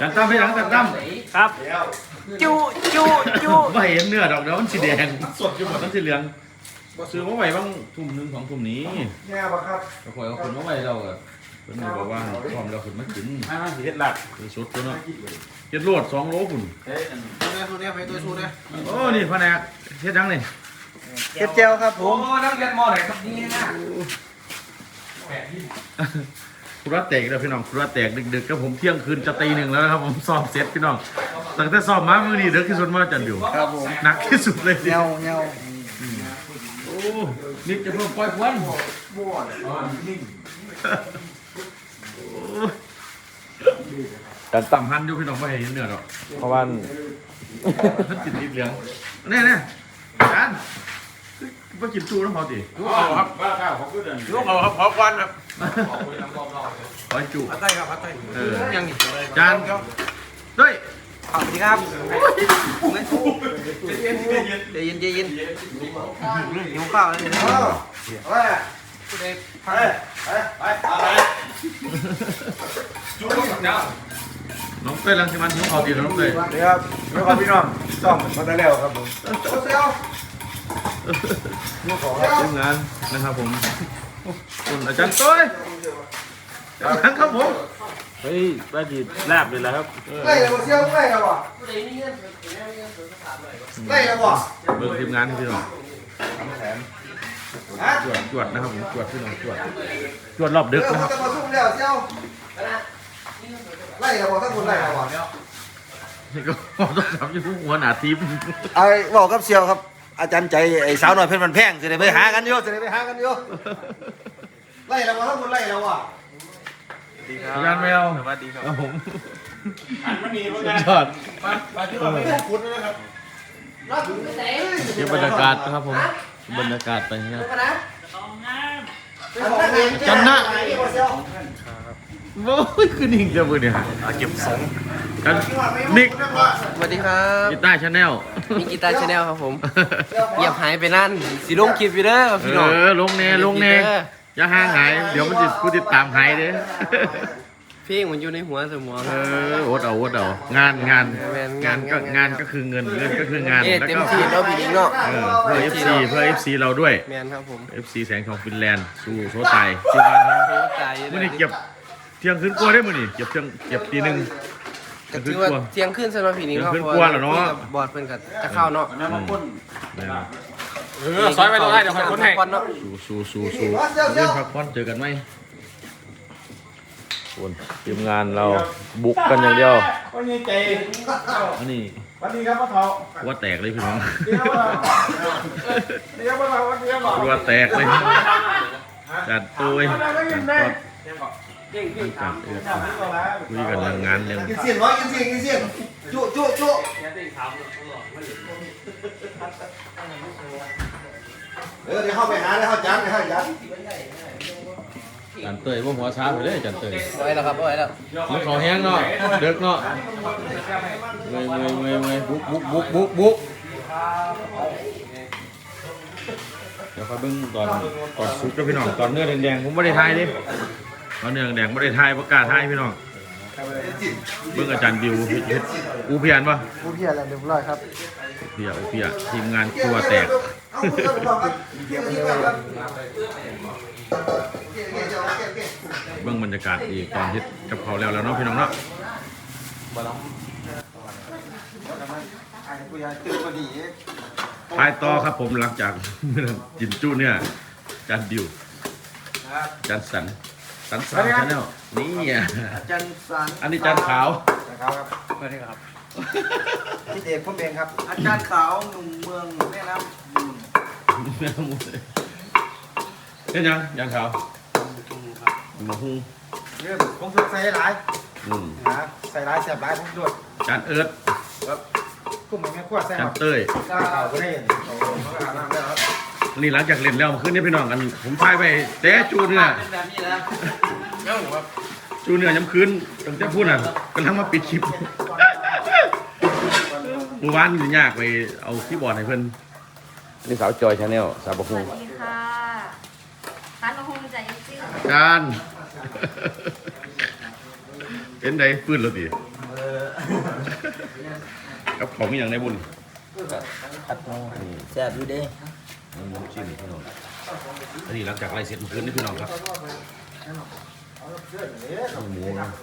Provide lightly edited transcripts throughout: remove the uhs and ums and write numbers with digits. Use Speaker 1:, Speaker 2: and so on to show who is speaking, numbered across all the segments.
Speaker 1: จันตั้มให้หลังจันตั้ม
Speaker 2: ครับจู
Speaker 1: ไม่เห็นเนื้อดอกเดี๋ยวมันสีแดงสดอยู่หมดมันสีเหลืองซื้อมาไว้บ้างทุ่มหนึ่งของทุ่มนี้
Speaker 3: เนี่ยปะครับ
Speaker 1: กระเพาะเอาคนมาไว้เราอะเพิ่นบอกว่าพร้อมเราขึ้นมากิน
Speaker 2: สีเห็ดหลัก
Speaker 1: สดตัวเนาะเฮ็ดรวด2 โลพุ่น
Speaker 3: สูเนี่ยไปตัวสูเนี่ย
Speaker 1: โอ้นี่แผนกเฮ็ดยังนี่
Speaker 3: เฮ็ดเจลครับผม
Speaker 2: โอ้นักเรียนมอไหนครับนี่นะ
Speaker 1: ครัวแตกแล้วพี่น้องครัวแตกดึกๆก็ผมเที่ยงคืนจะตี 1แล้วนะครับผมซ้อมเสร็จพี่น้องตั้งแต่ซ้อมมามื้อนี้ดึกที่สุดมาจันอยู่
Speaker 3: ครับผม
Speaker 1: หนักที่สุดเลย
Speaker 3: เงา
Speaker 1: โอ้นี่จะเพิ่มปล่อยควันแต่ต่ำหันอยู่พี่น้องไม่เห็นเนื้อหรอกเพราะว่าท่านกินนิดเหลืองแน่ๆกันไปกินจูน้ำพอดี
Speaker 2: ลูกเขาครับบ้าข้าวเขาขึ้นเลยลูกเขาครับขอควันครับ
Speaker 1: ขอจู
Speaker 2: พัดไทยครับพัดไทยยังอีก
Speaker 1: จานด้วย
Speaker 3: สวัสดีครับใจเย็นหิวข้าวแล้ว
Speaker 1: น้องเต้ยลังสิมันหิวข้าวดีน้องเต้ย
Speaker 3: ครับแล้วก็พี่น้องซ่อมมาได้แล้วครับผม
Speaker 1: ทีมงานนะครับผมคุณอาจารย์ต้ยครับผม
Speaker 2: เฮ้ยบ้าจีแลบเลยแล้วครับ
Speaker 3: ไล่แล้วบ่เชี่ยวไล่แล้วบ่ไล่แล้วบ่
Speaker 1: เบิ่งทีมงานพี่น้องจวดนะครับผมจวดพี่น้องจวดรอบดึกนะครับ
Speaker 3: จะมาซุ่มแล้วเชี่ยวไล่แล้วบ่ถ้าคุณไล่แล้วบ่
Speaker 1: นี่ก็ต้องทำอยู่หัวหน้าทีม
Speaker 3: ไอ้บอกกับเชี่ยวครับอาจารย์ใจไอ้สาวหน่อยเพชรมันแพงจะได้ไปหากันอยู่ไล่แล้วบ่ถ้าคุณไล่แล้วบ่
Speaker 1: อาจารย์แมว
Speaker 2: สวัสดีครับ
Speaker 1: ผม
Speaker 2: มันมี
Speaker 1: ยอด
Speaker 3: มาที่ว่าไม่ได้คุณนะครับ
Speaker 1: เก็บบรรยากาศนะครับผมบรรยากาศไปนะครับจันนะโอ้ยคือนิ่งจังเลยเนี่ย
Speaker 2: เก็บสอง
Speaker 1: กันนิก
Speaker 4: สวัสดีครับ
Speaker 1: กีตาร์ชาแนล
Speaker 4: มีกีตาร์ชาแนลครับผมเงียบหายไปนั่นสีลงคลิปอยู่เด้อพี่น้อง
Speaker 1: ลงเน่อย่าห่างหายเดี๋ยวมันจะผู้ติดตามหายเด้
Speaker 4: เพลงมันอยู่ในหัวสมอง
Speaker 1: อดเอางานก็คือเงินก็คืองาน
Speaker 4: แล้วก็เต็มที่เราพี่เนาะ
Speaker 1: เพื่อ FC เราด้วย
Speaker 4: แมนครับผม
Speaker 1: FC แสงทองฟินแลนด์สู้โซตายทีมงานเขามื่อนี้เก็บเที่ยงคืนกลัวได้มื่อนี้เก็บตี 1
Speaker 4: ก็ถือว่าเที่ยงคืนสำหรับพี่นิ้งเนาะบอดเพิ่นก็จะเข้าเนาะ
Speaker 2: ซอยไปตรงไหนเดี๋ยวคนให้
Speaker 1: สู้เรื่องพักผ่อนเจอกันไหมคนทีมงานเราบุกกันอย่างเดียว
Speaker 2: วันนี้ใจ
Speaker 1: อันนี้
Speaker 2: วันนี้ครับพ่อเฒ่า
Speaker 1: ว่าแตกเลยพี่น้อง
Speaker 2: ว่า
Speaker 1: แตกเลยจัดตัวคุยกันเรื่องงานเรื่อง
Speaker 3: กินเสียงจุเดี๋ยวเข้าไปหาแล้วเข้าจัน
Speaker 1: จันเตยพวกหัวช้าไปเลยจันเตย
Speaker 4: ไว้แล้วครับไว้แล้ว
Speaker 1: มันขอแห้งเนาะเด็กเนาะเงยบุกเดี๋ยวคอยเบิ่งตอนซุปกับพี่น้องตอนเนื้อแดงผมไม่ได้ทายดิตอนเนื้อแดงไม่ได้ทายประกาศทายพี่น้องเบิ่งอาจารย์บิวอูเพียนปะ
Speaker 3: อูเพียนแล้วเรียบร้อยครับ
Speaker 1: อูเพียทีมงานครัวแตกเบื้องบรรยากาศอีกตอนที่กับเขาแล้วเนาะพี่น้องเนาะไปต่อครับผมหลังจากกินจุเนี่ยจานดิวจานสันสาวชาแนลนี่
Speaker 3: จานสัน
Speaker 1: อันนี้จานขาว
Speaker 3: ครับสวัสดีครับพี่เอกพ่อเบงครับอาจารย์ขาวหนุ่มเมืองแม่น้ำมูล
Speaker 1: เป็นยังจานขาวหมูหุ้ง
Speaker 3: เรื่องผมสุดใส่หลายใส่หลายแซ่บหลายผมด้วย
Speaker 1: จานเอิร์ด
Speaker 3: ครับกุ้งแม่ขั้วแซ่บ
Speaker 1: จานเต้ย
Speaker 3: ข้าวก็ได้
Speaker 1: นี่หลังจากเล่นแล้วขึ้นนี่พี่น้องกันผมพายไปแต่จูเนื้อจูเนื้อย้ำคืนตั้งแต่พูดน่ะกำลังมาปิดคลิปเมื่อวานอยู่ยากไปเอาคีย์บอร์ดให้เพื่อนนี่สาวจอยชาแนลสาวบะฮุง
Speaker 5: สวัสดีค่ะร้านบะฮุงใจยิ่ง
Speaker 1: การเป็นไงฟื้นแล้วดิกับของมีอย่างในบุญ
Speaker 3: ผัดหมูแซ่บอยู่เด้
Speaker 1: หมูชิ้นพี่น้องอันนี้หลังจากไล่เสร็จเมื่อคืนนี่พี่น้องครับหมูนะ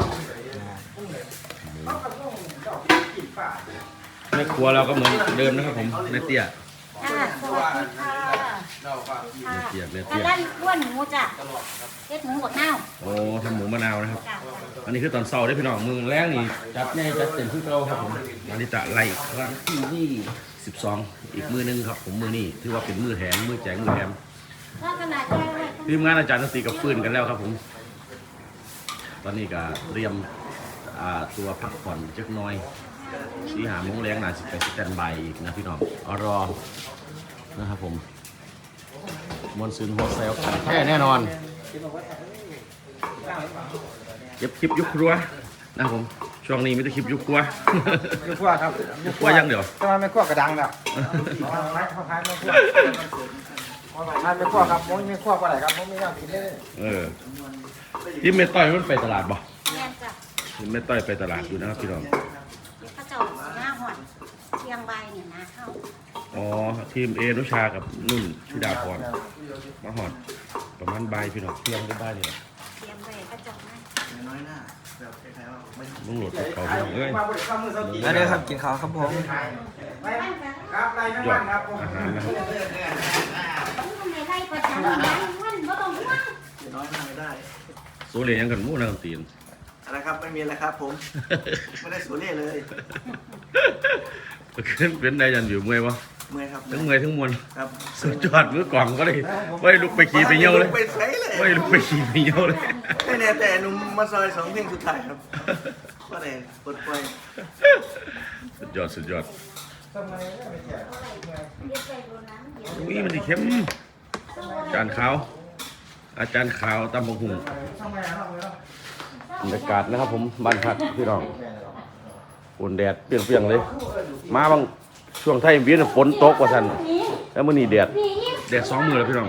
Speaker 1: ในครัวเราก็เหมือนเดิมนะครับผมในเตี้ย
Speaker 5: ค่ะสวัสดีค่ะ
Speaker 1: ในเตี้ยใน
Speaker 5: ทา
Speaker 1: เตี้
Speaker 5: ง
Speaker 1: ย
Speaker 5: ด้านอ้วนหมูจ้ะเฮ็ดหมูบดเน่า
Speaker 1: โอ้ทำหมูมะนาวนะครับ
Speaker 5: จ้ะ
Speaker 1: อันนี้คือตอนเช้าได้พี่น้องมือแรกนี่จัดแน่จัดเต็มที่เราครับผมอันนี้จะไล่ครั้งที่12อีกมือนึงครับผมมือนี้ถือว่าเป็นมือแถมมือแจกมือแถม
Speaker 5: ถ้าขนาดแก้ไว้
Speaker 1: ทีมงานอาจารย์ดนตรีกับฟืนกันแล้วครับผมตอนนี้ก็เตรียมตัวพักผ่อนจักหน้อยสีหาโมงแรงน่าสิไปสแตนบายอีกนะพี่น้องรอนะครับผมมวนซืนโฮเซลแท้แน่นอนเก็บคลิปยุคครัวนะครับผมช่วงนี้ไม่ได้คลิปยุคครัว
Speaker 2: อยู่ขั้วครับ
Speaker 1: ยุคครัวยังเดี๋ยว
Speaker 2: ทำไมไม่ขั้วกระดังแบบพายไม่ขั้วพายไม่ขั้วครับมุ้ยไม่ขั้วก็ไหนครับมุ้ยไม่ต้องกินเลย
Speaker 1: ที่เมต้อยมันไปตลาดบ่
Speaker 5: แม่นจ้ะ
Speaker 1: ที่เมต้อยไปตลาดอยู่นะครับพี่น้อง
Speaker 5: เดี๋ยวเขาเจ้าหน้าหอดเชียงใบเนี่ยนะเข้า
Speaker 1: อ๋อทีมเอนุชากับนุ่นธิดาพรมาหอดประมาณบ่ายพี่น้องเที่ยงได้บ่ายเลย
Speaker 5: เชียงใบเขาเจ้านะ
Speaker 3: น้อยหน้าแบบคล้ายๆว่าไม่
Speaker 1: มึงโหลดเขาพี่น้องเอ้ย
Speaker 3: แล้วเดี๋ยวครับกินข้าวครับผม
Speaker 2: ครับไรไม่
Speaker 1: ยอ
Speaker 2: บ้า
Speaker 1: ด
Speaker 2: นครับ
Speaker 1: อาหารนะครับ
Speaker 5: มันไม่ไล่ประจำมันมันบ่ต้องห่วง
Speaker 3: น้อยหน้าไม่ได้
Speaker 1: โซเลียยังกันหมู่นักตีน
Speaker 3: อะไรครับไม่มีอะไรครับผมไม่ได้สูเล่เลย
Speaker 1: ขึ้นเป็นได้ยันอยู่เมื่อยวะ
Speaker 3: เมื่อยครับ
Speaker 1: ทั้งเมื่อยทั้งมวล
Speaker 3: ครับ
Speaker 1: สุดยอดมือกล่องก็เลยไม่ลุกไปขี่ไปเยี่ยวเลย
Speaker 3: ไปใช้เลย
Speaker 1: ไม่ลุกไปขี่ไปเยี่ยวเลย
Speaker 3: ไม่แน่แต่หนุ่มมาซอย2เพลงสุดท้ายครับก็เลยปลดปล่อย
Speaker 1: สุดยอดสุดยอด
Speaker 5: เดี๋ยวไปโดนน้ำเดี๋ยว
Speaker 1: อุ้ยมันดีเข้มอาจารย์ขาวอาจารย์ขาวตำบักหุ่งบรรยากาศนะครับผมบ้านพักพี่น้องฝนแดดเปรี้ยงๆเลย มาบางช่วงไทยเวียนฝนตกกว่าสันแล้วมื้อนี้แดด2 มื้อแล้วพี่น้อง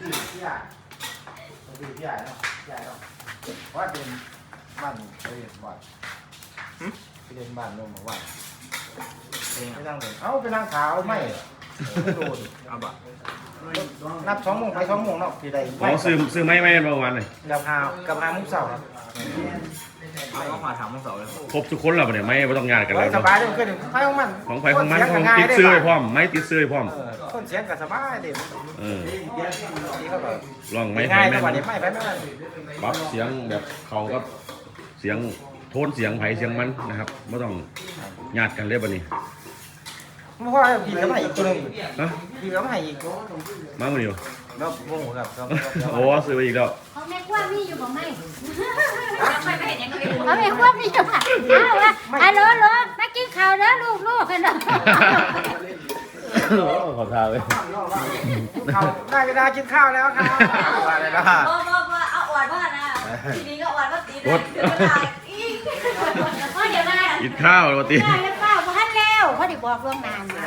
Speaker 2: ว่าเป็นบ้านไปเรียนบ้านไปเรียนบ้านลงมาว่าไปนั่งเลยเอ้าไปนั่งขาวไม่โดนเอาบ่นับ2 โมงไป2 โมงเนาะที่ใด
Speaker 1: อ๋อซื้อไม้เมื่อวานเลย
Speaker 2: กับ5 โมงเช้าครับ
Speaker 3: ก็มาถามทั้งสองเลย
Speaker 1: ครบทุกคนแล้วปะเนี่ยไม่ต้องงานกันแล้ว
Speaker 2: ส
Speaker 1: เนาะ
Speaker 2: บายเลยขึ้นไปของมัน
Speaker 1: ของไฟของมันของติดซื้อให้พร้อมไม้ติดซื้อให้พร้อม
Speaker 2: คนเสียงก็สบายเด็ก
Speaker 1: เออ
Speaker 2: นี่เขาแบบ
Speaker 1: ลองไม้ไฟ
Speaker 2: ง่าย
Speaker 1: แม่
Speaker 2: กว่าเด็กไม่ไปไม่ไป
Speaker 1: ปรับเสียงแบบเขาก็เสียงโทนเสียงไผเสียงมันนะครับไม่ต้องญาติกันเลยบัดนี้
Speaker 2: เพราะว่าพี่ก็มาอีกตัวนึง
Speaker 1: ฮะ
Speaker 2: พี่ก็มาอีก
Speaker 1: มามื้อนี้บ่
Speaker 2: แล้วโมโหครับ
Speaker 1: โอ้ซื้อไปอีกแล้ว
Speaker 5: เขาแม่กว้างมีอยู่บ่ไม่ไม่เห็นยังไงเขาแม่กว้างมีอยู่ค่ะอ้าวฮัลโหลมากินข้าวเด้อลูกกันเนาะ
Speaker 1: ขอทาเลย
Speaker 2: ข้าวได้เวลากินข้าวแล้วครับอะไรนะ
Speaker 5: บ่เอาอวดว่านะทีนี้ก็อวดว่าตีได้เดี๋ยวได้อีกเพราะเดี๋ยวได้
Speaker 1: กินข้าวปกติ
Speaker 5: ได้แล้วเปล่าบ่ทันแล้วเพราะดิบอกล่วงหน้ามา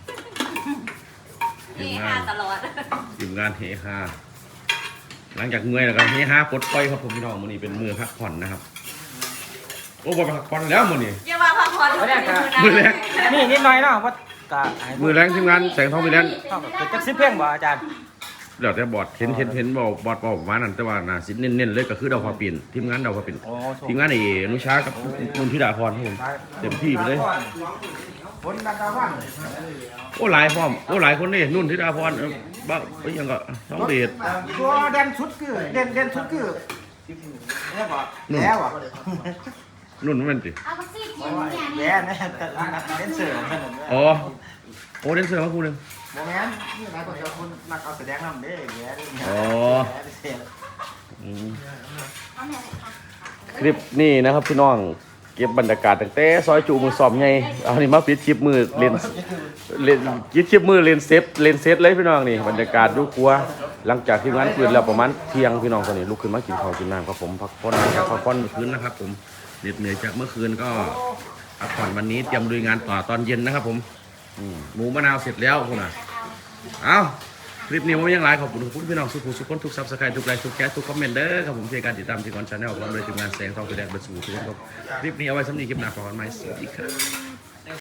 Speaker 1: ทีมงานทีมงานเฮฮาหลังจากเมื่อยแล้วก็เฮฮาปลดปล่อยครับผมพี่น้องมื้อนี้เป็นมื้อพักผ่อนนะครับโอ้บ่พักผ่อนแล้วมื้อนี้
Speaker 5: อย่าว่าพักผ่อน
Speaker 1: มื้อแรก
Speaker 2: นี่นิดหน่อยเนาะว่ากะ
Speaker 1: มื้อแรงทีมงานแสงทองมีแลนด์
Speaker 2: จัก10 เพลงบ่อาจารย์
Speaker 1: เดี๋ยวแต่บอร์ดเห็นบอร์ดบอกมานั่นแต่ว่าน่าสิเน้นๆเลยก็คือดาวพอปิ่นทีมงานดาวพอปิ่น
Speaker 2: โอ้
Speaker 1: ทีมงานไอ้อนุชากับนุ่นธิดาพรครับผมเต็มที่ไปเลย
Speaker 2: ฝนดังกะวัน
Speaker 1: โอ้หลายพร้อมโอ้หลายคนนี่นุ่นธิดาพรบ้าไปยังก็น้องเดช
Speaker 2: ตัวเด่นชุดคือเด่นชุดคือแล้วบ่แล้วอ่ะ
Speaker 1: นุ่นมันสิ
Speaker 5: เอาสิกินเนี่ย
Speaker 2: แย่นะเด่นเสือขนาดนี้
Speaker 1: อ๋อโอ้เดนเซอร์มาคู่หนึง
Speaker 2: บ่แม่นนี่หลายคนจะคนนักเอาแสดงนำเด้แย่นี่
Speaker 1: อ๋อ
Speaker 2: เสีย
Speaker 1: อืม
Speaker 5: เอาแม่
Speaker 1: คลิปนี้นะครับพี่น้องเก็บบรรยากาศตั้งแต่ซอยจูมือสอบไงเอานี่มาปิดคลิปมือเล่นปิดคลิปมือเล่นเซตเลยพี่น้องนี่บรรยากาศดูกลัวหลังจากที่งานคืนแล้วประมาณเที่ยงพี่น้องคนนี้ลุกขึ้นมากินข้าวกินน้ำครับผมพักผ่อนจากพักผ่อนเมื่อคืนนะครับผมเหน็ดเหนื่อยจากเมื่อคืนก็พักผ่อนวันนี้เตรียมลุยงานต่อตอนเย็นนะครับผมหมูมะนาวเสร็จแล้วคุณน่ะเอาคลิปนี้ผมยังไลฟ์ขอบคุณพี่น้องสุขุมสุขคนทุกซับสไครต์ทุกไลค์ทุกแชร์ทุกคอมเมนต์เด้อครับผมที่การติดตามที่ก่อนชาแนลพร้อมด้วยทีมงานแสงทองแสดงบรรจุทุกคนครับคลิปนี้เอาไว้สำหรับคลิปหน้าขอกันใหม่สวัสดีครับ